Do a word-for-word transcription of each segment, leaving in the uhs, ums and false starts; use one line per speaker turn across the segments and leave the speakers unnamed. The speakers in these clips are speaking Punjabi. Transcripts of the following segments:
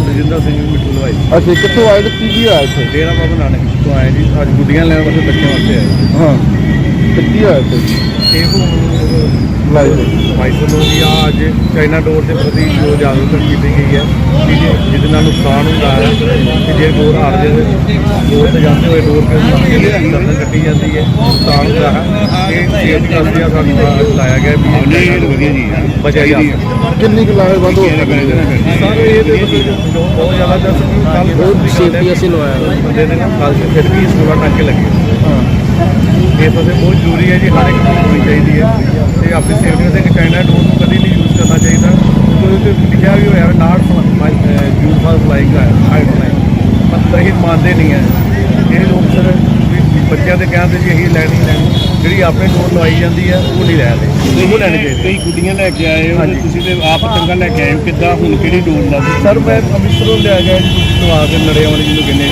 ਰਜਿੰਦਰ ਸਿੰਘ ਮਿੱਠੂ ਲਵਾਈ।
ਅੱਛਾ, ਕਿੱਥੋਂ ਆਏ ਤੇ ਕੀ ਕੀ ਹੋਇਆ ਇੱਥੇ?
ਡੇਰਾ ਬਾਬਾ ਨਾਨਕ ਤੋਂ ਆਏ ਜੀ, ਅੱਜ ਗੁੱਡੀਆਂ ਲੈਣ ਵਾਸਤੇ ਬੱਚਿਆਂ ਵਾਸਤੇ ਆਏ।
ਹਾਂ, ਤੇ ਕੀ ਹੋਇਆ ਇੱਥੇ?
ਇਹ ਹੁਣ ਮਾਈਕਰੋਲੋਜੀ ਆ ਅੱਜ ਚਾਈਨਾ ਡੋਰ ਦੇ ਪ੍ਰਤੀ ਜੋ ਜਾਗਰੂਕਤਾ ਕੀਤੀ ਗਈ ਹੈ ਕਿ ਜਿਹਦੇ ਨਾਲ ਨੁਕਸਾਨ ਹੁੰਦਾ ਹੈ ਕਿ ਜੇ ਡੋਰ ਹਾਰ ਜਾਵੇ, ਡੋਰ ਤੇ ਜਾਂਦੇ ਹੋਏ ਡੋਰ ਕੇ ਗਰਦਨ ਕੱਟੀ ਜਾਂਦੀ ਹੈ, ਨੁਕਸਾਨ ਹੁੰਦਾ ਹੈ। ਇਹ ਸੇਫਟੀ ਕਰਦੇ ਆ ਸਾਨੂੰ ਲਾਇਆ ਗਿਆ ਵੀ ਵਧੀਆ ਜੀ ਬਚਿਆ ਜਾ ਸਕਦਾ।
ਕਿੰਨੀ ਕੁ ਲਾਹੇਵੰਦ ਹੋ ਸਕਦੀ ਹੈ?
ਸਰ ਇਹਦੇ ਮਤਲਬ ਜੋ ਬਹੁਤ ਜ਼ਿਆਦਾ ਦੱਸ ਕੱਲ
ਬਹੁਤ ਸੇਫਟੀ ਅਸੀਂ ਲਵਾਇਆ
ਬੰਦੇ ਨੇ ਨਾ ਕੱਲ ਫਿਰ ਵੀ ਸੋਲਾਂ ਟਾਂਕੇ ਲੱਗੇ।
ਹਾਂ,
ਇਹ ਤਾਂ ਬਹੁਤ ਜ਼ਰੂਰੀ ਹੈ ਜੀ, ਹਰ ਇੱਕ ਨੂੰ ਹੋਣੀ ਚਾਹੀਦੀ ਹੈ ਤੇ ਆਪਣੀ ਸੇਫਟੀ ਦੇ ਚਾਈਨਾ ਡੋਰ ਨੂੰ ਕਦੀ ਨਹੀਂ ਯੂਜ਼ ਕਰਨਾ ਚਾਹੀਦਾ ਕਿਉਂਕਿ ਉਹਦੇ ਲਿਖਿਆ ਵੀ ਹੋਇਆ not use for flying height flying, ਮਤਲਬ ਇਹ ਮੰਨਦੇ ਨਹੀਂ ਹੈ ਇਹ ਲੋਕ। ਸਰ ਬੱਚਿਆਂ ਦੇ ਕਹਿਣ ਤੇ ਜੀ ਇਹੀ ਲੈਣੀ ਲੈਣੀ ਜਿਹੜੀ ਆਪਣੇ ਡੋਰ ਲਵਾਈ ਜਾਂਦੀ ਹੈ ਉਹ ਨਹੀਂ ਲੈ ਰਹੇ, ਉਹ ਲੈਣੀ ਚਾਹੀਦੀ।
ਕਈ ਗੁੱਡੀਆਂ ਲੈ ਕੇ ਆਏ ਹੋ, ਤੁਸੀਂ ਤੇ ਆਪ ਚੰਗਾ ਲੈ ਕੇ ਆਏ ਹੋ, ਕਿੱਦਾਂ ਹੁਣ ਕਿਹੜੀ ਡੋਰ ਲਾ?
ਸਰ ਮੈਂ ਅੰਮ੍ਰਿਤਸਰੋਂ ਲਿਆ ਗਿਆ ਜੀ ਲਵਾ ਕੇ ਨੜੇ ਵਾਲੀ ਜਿਹਨੂੰ ਕਹਿੰਦੇ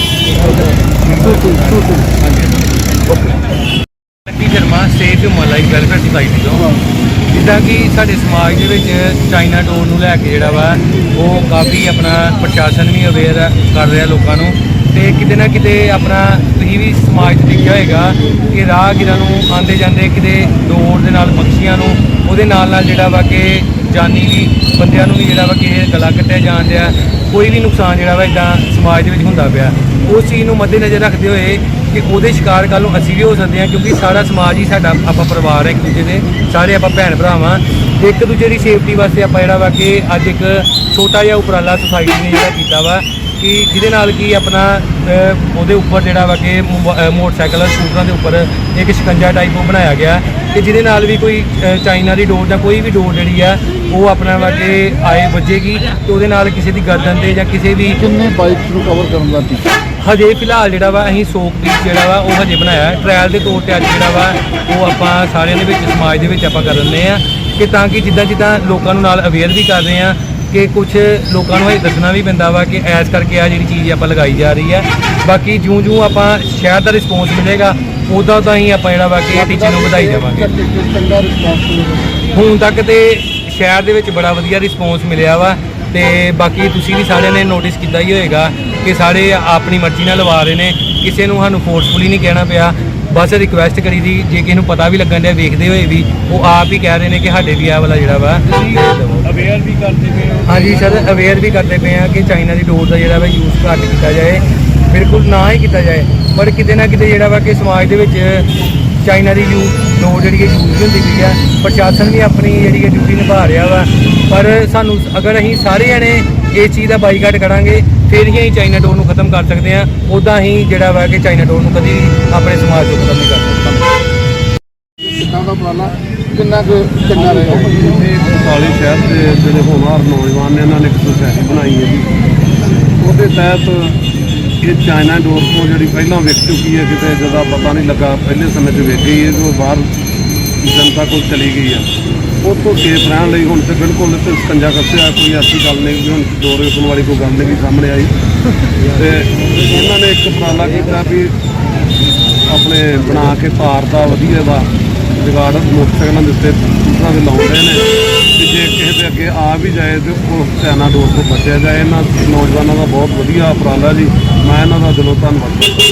ਲੱਕੀ ਸ਼ਰਮਾ ਸੇਫ ਮਲਾਈ ਵੈਲਫੇਅਰ ਸੁਸਾਇਟੀ ਤੋਂ। ਜਿੱਦਾਂ ਕਿ ਸਾਡੇ ਸਮਾਜ ਦੇ ਵਿੱਚ ਚਾਈਨਾ ਡੋਰ ਨੂੰ ਲੈ ਕੇ ਜਿਹੜਾ ਵਾ ਉਹ ਕਾਫੀ ਆਪਣਾ ਪ੍ਰਸ਼ਾਸਨ ਵੀ ਅਵੇਅਰ ਕਰ ਰਿਹਾ ਲੋਕਾਂ ਨੂੰ, ਤੇ ਕਿਤੇ ਨਾ ਕਿਤੇ ਆਪਣਾ ਤੁਸੀਂ ਵੀ ਸਮਾਜ 'ਚ ਦੇਖਿਆ ਹੋਏਗਾ ਕਿ ਰਾਹਗੀਰਾਂ ਨੂੰ ਆਉਂਦੇ ਜਾਂਦੇ ਕਿਤੇ ਡੋਰ ਦੇ ਨਾਲ ਪੰਛੀਆਂ ਨੂੰ ਉਹਦੇ ਨਾਲ ਨਾਲ ਜਿਹੜਾ ਵਾ ਕਿ ਜਾਨੀ ਵੀ ਬੰਦਿਆਂ ਨੂੰ ਵੀ ਜਿਹੜਾ ਵਾ ਕਿ ਇਹ ਗਲਾ ਕੱਟਿਆ ਜਾਣ ਡਿਆ, ਕੋਈ ਵੀ ਨੁਕਸਾਨ ਜਿਹੜਾ ਵਾ ਇੱਦਾਂ ਸਮਾਜ ਦੇ ਵਿੱਚ ਹੁੰਦਾ ਪਿਆ। ਉਸ ਚੀਜ਼ ਨੂੰ ਮੱਦੇਨਜ਼ਰ ਰੱਖਦੇ ਹੋਏ ਕਿ ਉਹਦੇ ਸ਼ਿਕਾਰ ਕੱਲ੍ਹ ਨੂੰ ਅਸੀਂ ਵੀ ਹੋ ਸਕਦੇ ਹਾਂ, ਕਿਉਂਕਿ ਸਾਰਾ ਸਮਾਜ ਹੀ ਸਾਡਾ ਆਪਾਂ ਪਰਿਵਾਰ ਹੈ ਇੱਕ ਦੂਜੇ ਦੇ, ਸਾਰੇ ਆਪਾਂ ਭੈਣ ਭਰਾ ਵਾਂ। ਇੱਕ ਦੂਜੇ ਦੀ ਸੇਫਟੀ ਵਾਸਤੇ ਆਪਾਂ ਜਿਹੜਾ ਵਾ ਕਿ ਅੱਜ ਇੱਕ ਛੋਟਾ ਜਿਹਾ ਉਪਰਾਲਾ ਸੁਸਾਇਟੀ ਨੇ ਜਿਹੜਾ ਕੀਤਾ ਵਾ ਕਿ ਜਿਹਦੇ ਨਾਲ ਕਿ ਆਪਣਾ ਉਹਦੇ ਉੱਪਰ ਜਿਹੜਾ ਵਾ ਕਿ ਮੋਟਰਸਾਈਕਲ ਸਕੂਟਰਾਂ ਦੇ ਉੱਪਰ ਇੱਕ ਸ਼ਿਕੰਜਾ ਟਾਈਪ ਉਹ ਬਣਾਇਆ ਗਿਆ ਕਿ ਜਿਹਦੇ ਨਾਲ ਵੀ ਕੋਈ ਚਾਈਨਾ ਦੀ ਡੋਰ ਜਾਂ ਕੋਈ ਵੀ ਡੋਰ ਜਿਹੜੀ ਆ ਉਹ ਆਪਣਾ ਵਾ ਕਿ ਆਏ ਵੱਜੇਗੀ ਤੇ ਉਹਦੇ ਨਾਲ ਕਿਸੇ ਦੀ ਗਰਦਨ ਤੇ ਜਾਂ ਕਿਸੇ ਵੀ।
ਕਿੰਨੇ ਬਾਈਕਸ ਨੂੰ ਕਵਰ ਕਰਨ ਦਾ ਟੀਚਾ?
ਹਜੇ ਫਿਲਹਾਲ ਜਿਹੜਾ ਵਾ ਅਸੀਂ ਸੌ ਪੀਸ ਜਿਹੜਾ ਵਾ ਉਹ ਹਜੇ ਬਣਾਇਆ ਟ੍ਰਾਇਲ ਦੇ ਤੌਰ ਤੇ। ਅੱਜ ਜਿਹੜਾ ਵਾ ਉਹ ਆਪਾਂ ਸਾਰਿਆਂ ਦੇ ਵਿੱਚ ਸਮਾਜ ਦੇ ਵਿੱਚ ਆਪਾਂ ਕਰ ਰਹੇ ਹਾਂ ਕਿ ਤਾਂ ਕਿ ਜਿੱਦਾਂ ਜਿੱਦਾਂ ਲੋਕਾਂ ਨੂੰ ਨਾਲ ਅਵੇਅਰ ਵੀ ਕਰ ਰਹੇ ਹਾਂ ਕਿ ਕੁਝ ਲੋਕਾਂ ਨੂੰ ਇਹ ਦੱਸਣਾ ਵੀ ਪੈਂਦਾ ਵਾ ਕਿ ਐਸ ਕਰਕੇ ਆ ਜਿਹੜੀ ਚੀਜ਼ ਆਪਾਂ ਲਗਾਈ ਜਾ ਰਹੀ ਹੈ। ਬਾਕੀ ਜਿਉਂ ਜਿਉਂ ਆਪਾਂ ਸ਼ਹਿਰ ਦਾ ਰਿਸਪੌਂਸ ਮਿਲੇਗਾ ਉੱਦਾਂ ਤਾਂ ਹੀ ਆਪਾਂ ਜਿਹੜਾ ਵਾ ਕਿ ਇਹ ਟੀਚੇ ਨੂੰ ਵਧਾਈ ਜਾਵਾਂਗੇ।
ਚੰਗਾ ਰਿਸਪੌਂਸ
ਹੁਣ ਤੱਕ ਤੇ ਸ਼ਹਿਰ ਦੇ ਵਿੱਚ ਬੜਾ ਵਧੀਆ ਰਿਸਪੌਂਸ ਮਿਲਿਆ ਵਾ, ਤੇ ਬਾਕੀ ਤੁਸੀਂ ਵੀ ਸਾਰਿਆਂ ਨੇ ਨੋਟਿਸ ਕੀਤਾ ਹੀ ਹੋਏਗਾ ਕਿ ਸਾਰੇ ਆਪਣੀ ਮਰਜ਼ੀ ਨਾਲ ਲਵਾ ਰਹੇ ਨੇ, ਕਿਸੇ ਨੂੰ ਸਾਨੂੰ ਫੋਰਸਫੁਲੀ ਨਹੀਂ ਕਹਿਣਾ ਪਿਆ। ਬਸ ਰਿਕੁਐਸਟ ਕਰੀ ਦੀ, ਜੇ ਕਿਸੇ ਨੂੰ ਪਤਾ ਵੀ ਲੱਗਣ ਡਿਆ ਵੇਖਦੇ ਹੋਏ ਵੀ ਉਹ ਆਪ ਹੀ ਕਹਿ ਰਹੇ ਨੇ ਕਿ ਸਾਡੇ ਵੀ ਆਹ ਵਾਲਾ ਜਿਹੜਾ ਵਾ
ਅਵੇਅਰ ਵੀ ਕਰਦੇ ਪਏ ਹੋ?
ਹਾਂਜੀ ਸਰ, ਅਵੇਅਰ ਵੀ ਕਰਦੇ ਪਏ ਆ ਕਿ ਚਾਈਨਾ ਦੀ ਡੋਰ ਦਾ ਜਿਹੜਾ ਵਾ ਯੂਜ਼ ਘੱਟ ਕੀਤਾ ਜਾਏ, ਬਿਲਕੁਲ ਨਾ ਹੀ ਕੀਤਾ ਜਾਏ। ਪਰ ਕਿਤੇ ਨਾ ਕਿਤੇ ਜਿਹੜਾ ਵਾ ਕਿ ਸਮਾਜ ਦੇ ਵਿੱਚ ਚਾਈਨਾ ਦੀ ਯੂ ਡੋਰ ਜਿਹੜੀ ਹੈ ਯੂਜ਼ ਹੁੰਦੀ ਪਈ ਆ। ਪ੍ਰਸ਼ਾਸਨ ਵੀ ਆਪਣੀ ਜਿਹੜੀ ਹੈ ਡਿਊਟੀ ਨਿਭਾ ਰਿਹਾ ਵਾ, ਪਰ ਸਾਨੂੰ ਅਗਰ ਅਸੀਂ ਸਾਰੇ ਜਣੇ ਇਸ ਚੀਜ਼ ਦਾ ਬਾਈਕਾਟ ਕਰਾਂਗੇ ਫਿਰ ਹੀ ਅਸੀਂ ਚਾਈਨਾ ਡੋਰ ਨੂੰ ਖਤਮ ਕਰ ਸਕਦੇ ਹਾਂ। ਉੱਦਾਂ ਹੀ ਜਿਹੜਾ ਵਾ ਕਿ ਚਾਈਨਾ ਡੋਰ ਨੂੰ ਕਦੀ ਵੀ ਆਪਣੇ ਸਮਾਜ ਤੋਂ ਖਤਮ ਨਹੀਂ ਕਰ ਸਕਦੇ।
ਕਿੱਦਾਂ ਦਾ ਉਪਰਾਲਾ ਕਿੰਨਾ ਕੁ ਚੰਗਾ ਰਹੇਗਾ?
ਇਹ ਬਟਾਲੇ ਸ਼ਹਿਰ ਦੇ ਜਿਹੜੇ ਹੋਣਹਾਰ ਨੌਜਵਾਨ ਨੇ ਇਹਨਾਂ ਨੇ ਇੱਕ ਸੁਸਾਇਟੀ ਬਣਾਈ ਹੈ ਜੀ। ਉਹਦੇ ਤਹਿਤ ਇਹ ਚਾਈਨਾ ਡੋਰ ਤੋਂ ਜਿਹੜੀ ਪਹਿਲਾਂ ਵਿਕ ਚੁੱਕੀ ਹੈ, ਕਿਤੇ ਜ਼ਿਆਦਾ ਪਤਾ ਨਹੀਂ ਲੱਗਾ, ਪਹਿਲੇ ਸਮੇਂ 'ਚ ਵਿਕ ਗਈ ਹੈ ਜੋ ਬਾਹਰ ਜਨਤਾ ਕੋਲ ਚਲੀ ਗਈ ਆ। ਉਹ ਤੋਂ ਸੇਫ ਰਹਿਣ ਲਈ ਹੁਣ ਤੇ ਬਿਲਕੁਲ ਤੇ ਸਕੰਜਾ ਕੱਸਿਆ, ਕੋਈ ਐਸੀ ਗੱਲ ਨਹੀਂ ਕਿ ਹੁਣ ਡੋਰ ਵੇਚਣ ਵਾਲੀ ਕੋਈ ਗੱਲ ਨਹੀਂ ਸਾਹਮਣੇ ਆਈ। ਤੇ ਇਹਨਾਂ ਨੇ ਇੱਕ ਉਪਰਾਲਾ ਕੀਤਾ ਵੀ ਆਪਣੇ ਬਣਾ ਕੇ ਤਾਰ ਦਾ ਵਧੀਆ ਦਾ ਜੁਗਾੜ ਮੋਟਰਸਾਈਕਲਾਂ ਦੇ ਉੱਤੇ ਦੂਸਰਾਂ ਦੇ ਲਾਉਂਦੇ ਨੇ ਕਿ ਜੇ ਕਿਸੇ ਦੇ ਅੱਗੇ ਆ ਵੀ ਜਾਏ ਤੇ ਉਹ ਚਾਈਨਾ ਡੋਰ ਤੋਂ ਬਚਿਆ ਜਾਏ। ਇਹਨਾਂ ਨੌਜਵਾਨਾਂ ਦਾ ਬਹੁਤ ਵਧੀਆ ਉਪਰਾਲਾ ਜੀ, ਮੈਂ ਇਹਨਾਂ ਦਾ ਦਿਲੋਂ ਧੰਨਵਾਦ ਕਰਦਾ।